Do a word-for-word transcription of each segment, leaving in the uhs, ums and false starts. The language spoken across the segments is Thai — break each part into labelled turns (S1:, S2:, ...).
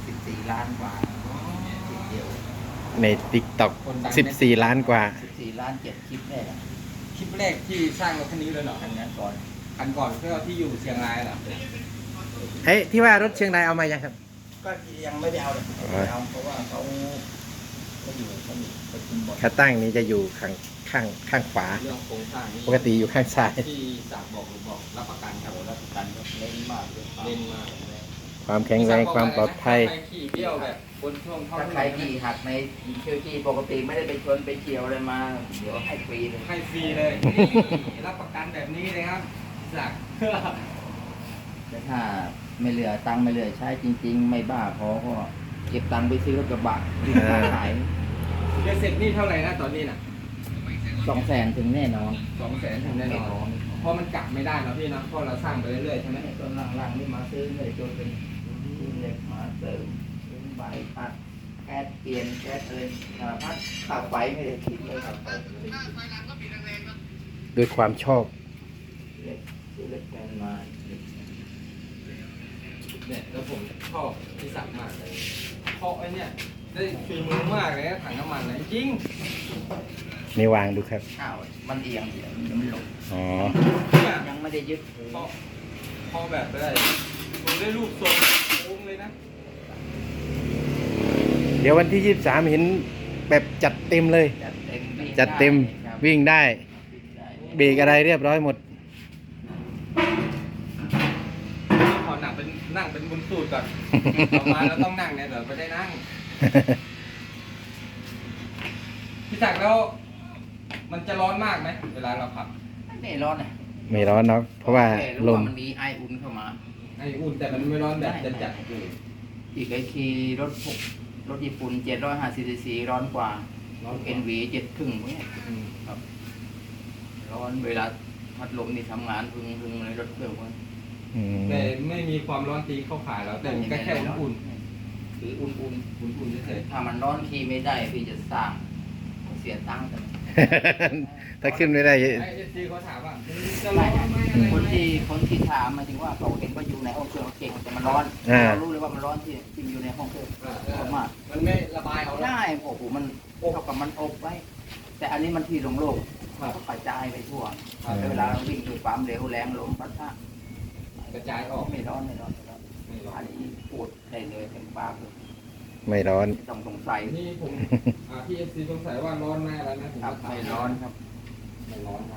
S1: สิบสี่ล้านกว่าคลิปเดียว
S2: ใน ติ๊กต็อก สิบสี่ล้านกว่า
S1: สิบสี่ล้านเจ็ดคลิปแรกอะ
S3: คลิปแรกที่สร้างรถคันนี้เลยเหรอ
S1: อันนั้นก่อน
S3: คันก่อนเพื่อที่อยู่เชียงรายเหรอ
S2: เฮ้ยที่ว่ารถเชียงรายเอามายังครับ
S1: ก็ยังไม่ได้เอาเลยไม่ได้เอาเพราะว่าเขาเขาอยู่เขาอยู่ประชุมบอร์ด
S2: ขาตั้งนี้จะอยู่ข้างข้างข้างขวา
S3: เรื่องโครงสร้างนี่
S2: ปกติอยู่ข้างซ้าย
S3: ที่สากบอกหรือบอกรับประกันครับ
S1: โอ้รับประกันก็เล่นมากเลย
S3: เล่นมาก
S2: ความแข็งแรงความปลอดภัย
S3: ใครขี่เบี้ยวแบบบนช่วงท่อ
S1: ถ้าใครที่หักในเชื่อที่ปกติไม่ได้ไปชนไปเฉียวอะไรมาเดี๋ยวให้ฟรีเลย
S3: ให้ฟรีเลยนี่รับประกันแบบนี้เลยครับสัก
S1: แต่ถ้าไม่เหลือตังค์ไม่เหลือใช้จริง ๆ ไม่บ้าพอก็เก็บตังค์ไปซื้อรถกระบะที่ขายขาย
S3: เดี๋ยวเสร็จนี่เท่าไหร่นะตอนนี้น่ะ
S1: สองแสนถึงแน่นอน
S3: สองแสนถึงแน่นอนเพราะมันกลับไม่ได้เนาะพี่เนาะเพราะเราสร้างไปเรื่อยๆใช่ไหม
S1: ต้นล่างๆนี่มาซื้อเลยจนเป็นซื้อเหล็กมาเสริมซื้อใบตัดแก๊สเปลี่ยนแก๊สอะไรสารพัดค่าไฟไม่ได้คิดเลยครับ
S2: ด้วยความชอบ
S1: เหล็กซื้อเหล็กแมนมา
S3: เนี่ยแล้วผมชอบที่สักมากเลยเพราะไอ้เนี่ยได้ฝีมือมากเลยนะถังน้ำมันเลยจริง
S2: นี่วางดูครับ
S1: อ้าวมันเอียงเอียงยังไม่ลง
S2: อ๋อ
S3: เนี่ย
S1: ยังไม่ได้ยึด
S3: พอพอแบบได้ผมได้รูปทรงโค้งเลยนะ
S2: เดี๋ยววันที่ยี่สิบสามเห็นแบบจัดเต็มเลย
S1: จัดเต็มวิ่ง
S2: จัดเต็ม
S1: ไครับ
S2: วิ่งได้
S1: วิ่งได้
S2: เบรกอะไรเรียบร้อยหมด
S3: ขอหนังเป็นนั่งเป็นบุญสูตรก่อนต่อมาเราต้องนั่งเนี่ยเดี๋ยวไม่ได้นั่งพี่จักรแล้ว มันจะร้อนมากไหมเวลาเราขับ
S1: ไม่ร้อนนะ
S2: ไม่ร้อนเนาะเพราะว่า
S1: แค่รู้
S2: ลม
S1: มันมีไออุ่นเข้ามา
S3: ไออุ่นแต่มันไม่ร้อนแบบจัดจัด
S1: อีกไอคีรถพวกรถญี่ปุ่นเจ็ดร้อยห้าสิบซีซีร้อนกว่า
S3: ร้อน
S1: เอ็นวีเจ็ดครึ่งพวกเนี้ยครับร้อนเวลาพัดลมนี่ทำงานพึงพึงเลยรถเครื่องพวกนี้
S2: อืม
S3: แต่ไม่มีความร้อนตีเข้าขาเราแต่มันก็แค่อุ่น
S1: คืออุ่นอุ่น
S3: ๆอุ่นๆเฉย
S1: ๆถ้ามันร้อนขี่ไม่ได้พี่จะสร้างเสียตังค์กัน
S2: ถ้าขึ้นไม่ได้
S3: ๆไอเอสซีเขาถามว่าจะร้อนไหมอะไร
S1: คน
S3: ไหม
S1: ที่คนที่ถามหมายถึงว่าเขาเห็นว่าอยู่ในห้องเครื่องเก่งแต่มันร้อน
S2: อ่า
S1: เรารู้เลยว่ามันร้อนที่ที่มันอยู่ในห้องเครื่อง
S3: อ่า
S1: เพราะมาก
S3: มันไม่ระบายเอาแล้ว
S1: ใช่โอ้โหมันเท่ากับมันอบไว้ แต่อันนี้มันที่โล่งๆมันก็กระจายไปทั่วแล้วเวลาเราวิ่งด้วยความเร็วแรงลมพัดพะ
S3: กระจายออก
S1: ไม่ร้อนไม่ร้อนไม่ร้อน
S3: ไม่ร้อ
S1: อั
S3: น
S1: นนี้พูดได้เลยเต็มปากเลย
S2: ไม่ร้อน
S1: ไม่ต้องสงสัย
S3: นี่ผมอ่าพี่เอฟซีสงสัยว่าร้อนไหมอะไรนะผม
S1: ครับ
S3: ก็ถา
S1: ไม่ร้อนครับ
S3: ไม่ร้อนครับ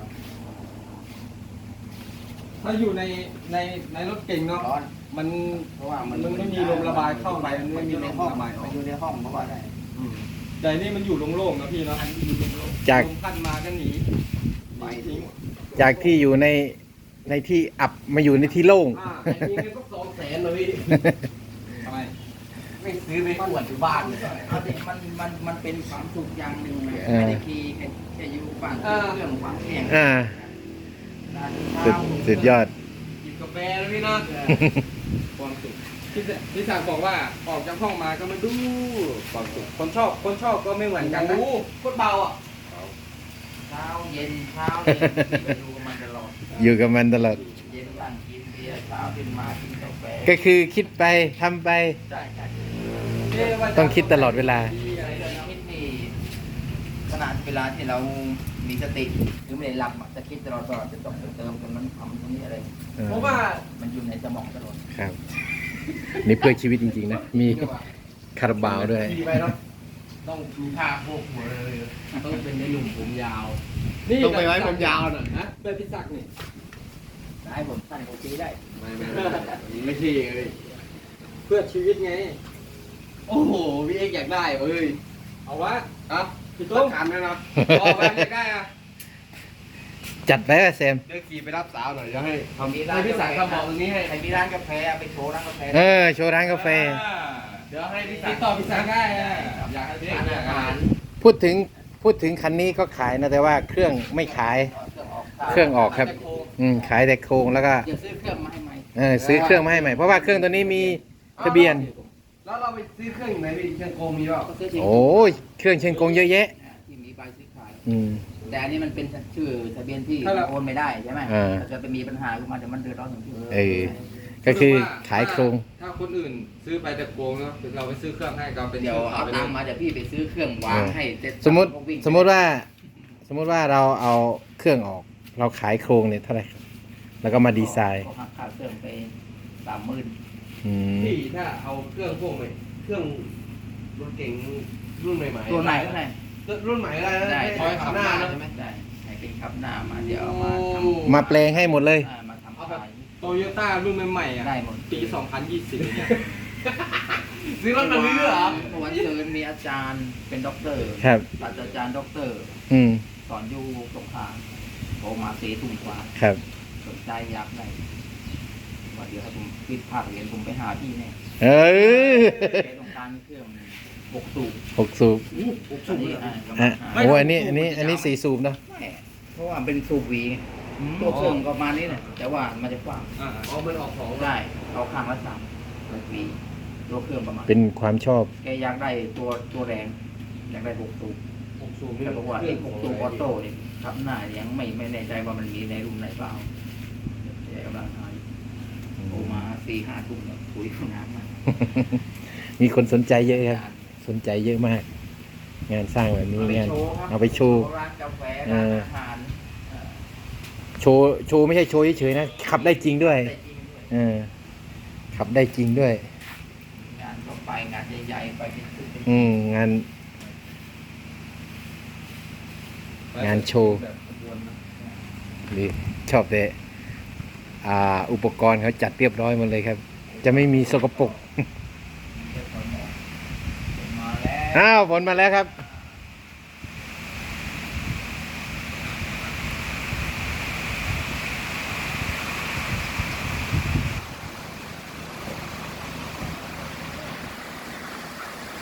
S3: ถ้าอยู่ในในในรถเก่งเนาะ
S1: ร้อน
S3: มัน
S1: เพราะว่ามัน
S3: มันไม่มีลมระบายเข้าไปมันไม่มี
S1: อยู่ใน
S3: ลม
S1: ห้อง
S3: ระบายอ
S1: มั
S3: อน ก
S1: อยู่ในห้องเพราะว่าได้
S3: อืมแต่นี่มันอยู่โล่งๆนะพี่เนาะ
S1: อันนี้อยู่ในโลก
S2: จาก
S3: ลมพัดมาก็หนี
S1: ไป
S3: ทิ้ง
S2: จากที่อยู่ในในที่อับมาอยู่ในที่โล่ง
S3: อ่าไอ้นี่ก็สองแสนเลยพี่ทำไมไม่ซื้อไปขวดอยู่บ้านเลย
S1: เอาสิมันมันมันเป็นความสุขอย่างหนึ่งนะ
S2: เออ
S1: ไม่ได้ขี่แค่แค่อยู่ฝั่งเครื่องฝั่งแข่ง
S2: อ่า สุดสุดยอด
S3: กินกาแฟแล้วพี่เนาะความสุขพี่สพี่สาวบอกว่าออกจากห้องมาก็มาดูความสุขคนชอบคนชอบก็ไม่เหมือนกันนะ
S1: โคตรเบาอ่ะเช้าเย็นเช้าเย็นไปดูกับมันตลอด
S2: อยู่กับมันตลอด
S1: เย็นบ้างกินเบียร์เช้าขึ้นมากินกาแฟ
S2: ก็คือคิดไปทำไป
S1: ใช่ใช่
S2: ต้องคิดตลอดเวลา
S1: อะไรเรื่องคิดนี่ขนาดเวลาที่เรามีสติหรือไม่ได้หลับอะจะคิดตลอดตลอดจะต้องเติมกันมันทำตรงนี้อะไร
S3: เพราะว่า
S1: มันอยู่ในสมองตลอด
S2: ครับ นี่เพื่อชีวิตจริงๆนะ มีคาราบาวด้วย
S3: ขี่ไปเนาะต้องมีผ้าโพกหัวเลย
S1: ต้องเป็นในหนุ่มผมยาว
S3: นี่ต้องไปไว้ผมยาวหน่อยนะเพื่อพี่ศักดิ์นี่
S1: ได้ผมสั้นกว่านี้ได้
S3: ไม่ไม่ไม่ไม่ใช่เลยเพื่อชีวิตไง
S4: โอ้โห พี่เอกอยากได้เว้ย
S3: เอาวะ
S4: อ่ะ
S3: พี่
S4: ต้
S3: ตุ้
S4: อ
S3: ม
S4: งการไหมนะ
S3: ออกไปอยากได้อะ
S2: จัดไปว่าแซม
S4: เดี๋ยวขี่ไปรับสาวหน่อยจะให้
S1: ทำ
S4: ให้พี่สายทำบอกตรงนี้ให้
S1: ใครมีร้านกาแฟไปโชว์ร้านกาแฟ
S2: เออ โชว์ร้านกาแฟ
S4: เดี๋ยวให้พี่
S3: ติ
S4: สาย
S3: ดต่อพี่ศักดิ์ได้อะ
S4: อยากให้พี่
S1: ร้าน
S4: อยา
S1: อาก หาร
S2: พูดถึงพูดถึงคันนี้ก็ขายนะ แต่ว่าเครื่องไม่ขาย เครื่องออกครับ อืมขายแต่โครงแล้วก็
S1: อย่าซื้อเครื่องมาให้ใหม่
S2: เออซื้อเครื่องมาให้ใหม่ เพราะว่าเครื่องตัวนี้มีทะเบียน
S4: แล้วเราไปซื้อเครื่องอยู่ไหนพี่เชียงโกงมีเปล่า
S1: ก็ซื้อที่
S2: โอ้ยเครื่องเชียงกงเยอะแยะ
S1: ที่มีใบซื้อขาย
S2: อืม
S1: แต่อันนี้มันเป็นชื่อทะเบียนที่โอนไม่ได้ใช่ไหม
S2: เออ
S1: ถ้าเกิดไปมีปัญหาขึ้นมาเดี๋ยวมันเดือดร้อนถึงที่
S2: เออก็คือขายโครง
S3: ถ้าคนอื่นซื้อไปแต่โครงเนาะเราไปซื้อเครื่องให้ก็เป็น
S1: เดี๋ยวเอาตังค์มาเดี๋ยวพี่ไปซื้อเครื่องวางให้เสร็จ
S2: สมมติ
S1: ก็วิ่ง
S2: สมมติว่า สมมติว่าเราเอาเครื่องออก เราขายโครงเนี่ยเท่าไหร่ครับแล้วก็มาดีไซน์
S1: ก็หักค่าเครื่องไปสามหมื่น
S2: อืม
S4: พี่ถ้าเอาเครื่องพวกใหม่เครื่องรถเก๋งรุ่นใหม่ๆ
S1: ตัวไหนก็ได้
S4: รุ่นใหม่ก็ได้นะ
S1: ได้
S4: คอยขับหน้านะ
S1: ใช่ไหมได้ให้เป็นขับหน้ามาเดี๋ยวเอามาท
S2: มาแปลงให้หมดเลย
S1: ำอ่ามาทำขาย
S3: โตโยต้ารุ่นใหม่ๆอ่ะ
S1: ได้หมด
S3: ปีสองพันยี่สิบเนี่ย
S4: ซื้อรถคันนี้ด้วยเหรอ
S1: เมื่อวันเชิญมีอาจารย์เป็นด็อกเตอร์
S2: ครับ
S1: ศาสตราจารย์ด็อกเตอร์
S2: อืม
S1: สอนอยู่สงขลาโทรมาเสียทุ่มกว่า
S2: ครับ
S1: สนใจอยากได้ว่าเดี๋ยวให้ผมปิดภาคเรียนผมไปหาที่เนี่ย
S2: เออ
S1: แกต้องการเครื่องหกสูบ
S2: หกสูบ
S1: อันนี้อ่า
S2: อ่ะโอ้อันนี้อันนี้อันนี้สี่สูบเนาะ
S1: แม่เพราะว่าเป็นสูบหวีไงตัวเครื่องก็ประมาณนี้แหละแต่ว่ามันจะกว้าง
S3: อ่า
S4: อ๋อมันออกของ
S1: ได้เอาข้างละสามหวีตัวเครื่องประมาณ
S2: เป็นความชอบ
S1: แกอยากได้ตัวตัวแรงอยากได้หกสูบ
S4: หกสูบนี่
S1: แต่บอกว่าไอ้หกสูบออโต้เนี่ยขับหน้ายังไม่ไม่แน่ใจว่ามันมีในรุ่นไหนเปล่าแกกำลังหาอยู่โทรมาสี่ห้าทุ่มแล้วคุยกับน้ำมา
S2: มีคนสนใจเยอะครับ สนใจเยอะมาก งานสร้างแบบนี้งาน เอาไปโชว์
S1: ร้านกาแฟ
S2: เอ
S1: ร้าน
S2: อ
S1: อาหารเอ่อ
S2: โชว์โชว์ไม่ใช่โชว์เฉยๆนะ ขับได้จริงด้วย
S1: ได้จริงด้วย
S2: เออ ขับได้จริงด้วย
S1: งานก็ไปงานใหญ่ๆไปเป็นสิบเป็น
S2: อืม งาน งานโชว์
S3: แบบขบวนนะ
S2: หรือชอบแต่อ่า อุปกรณ์เขาจัดเรียบร้อยหมดเลยครับ จะไม่มีสกปรก
S1: มาแล้ว
S2: อ้าวฝนมาแล้วครับ